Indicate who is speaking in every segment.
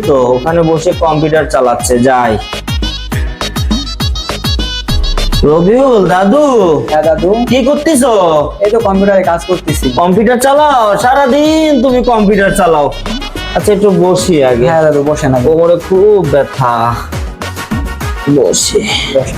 Speaker 1: তো ওখানে বসে কম্পিউটার চালাচ্ছে, যাই। রবিউল দাদু।
Speaker 2: হ্যাঁ দাদু।
Speaker 1: কি করতেছো?
Speaker 2: এই তো কম্পিউটারে কাজ করতেছি।
Speaker 1: কম্পিউটার চালাও? সারাদিন তুমি কম্পিউটার চালাও। আচ্ছা একটু বসি আগে।
Speaker 2: হ্যাঁ দাদু বসেন আগে।
Speaker 1: কোমরে খুব ব্যথা, বসে।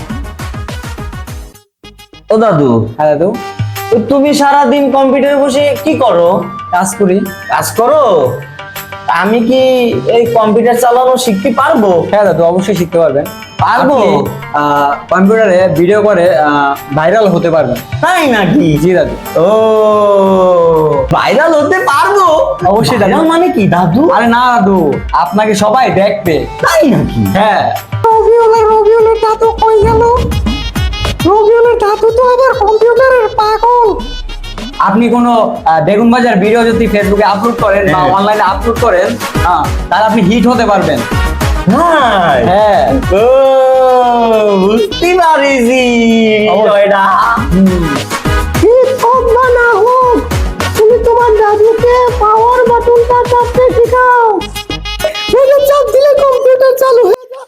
Speaker 1: ও দাদু।
Speaker 2: হ্যাঁ দাদু।
Speaker 1: তো তুমি সারাদিন কম্পিউটারে বসে কি করো?
Speaker 2: কাজ করি।
Speaker 1: কাজ করো? আমি কি এই কম্পিউটার চালানো শিখতে পারবো?
Speaker 2: হ্যাঁ দাদু অবশ্যই শিখতে পারবেন।
Speaker 1: পারবো?
Speaker 2: কম্পিউটারে ভিডিও করে ভাইরাল হতে পারবেন।
Speaker 1: তাই নাকি?
Speaker 2: জি দাদু।
Speaker 1: ও, ভাইরাল হতে পারবো?
Speaker 2: অবশ্যই দাদু।
Speaker 1: Viral মানে কি দাদু?
Speaker 2: আরে না দাদু, আপনাকে সবাই দেখবে।
Speaker 1: তাই নাকি?
Speaker 2: হ্যাঁ।
Speaker 3: রবিউলের দাদু কই গেল? রবিউলের দাদু তো আবার কম্পিউটারের পাগল।
Speaker 2: আপনি কোনো বেগুন বাজার ভিডিও যদি ফেসবুকে আপলোড করেন বা অনলাইনে আপলোড করেন, তাহলে আপনি হিট হতে পারবেন।
Speaker 1: হ্যাঁ।
Speaker 2: হ্যাঁ।
Speaker 1: ও, বুঝতে পারিছি এটা।
Speaker 3: হিট হোক বা না হোক, তুমি তোমার দাদুকে পাওয়ার বাটনটা চাপতে শেখাও। এটা চাপ দিলে কম্পিউটার চালু হয়ে যায়।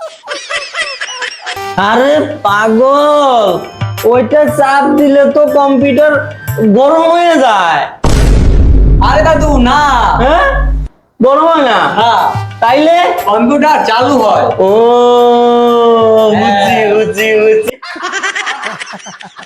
Speaker 1: আরে পাগল, ওইটা চাপ দিলে তো কম্পিউটার গরম হয়ে যায়।
Speaker 2: আরে দাদু না।
Speaker 1: হ্যাঁ, গরম হয় না?
Speaker 2: হ্যাঁ,
Speaker 1: তাইলে
Speaker 2: কম্পিউটার চালু হয়।
Speaker 1: ও, বুঝছি বুঝছি বুঝছি।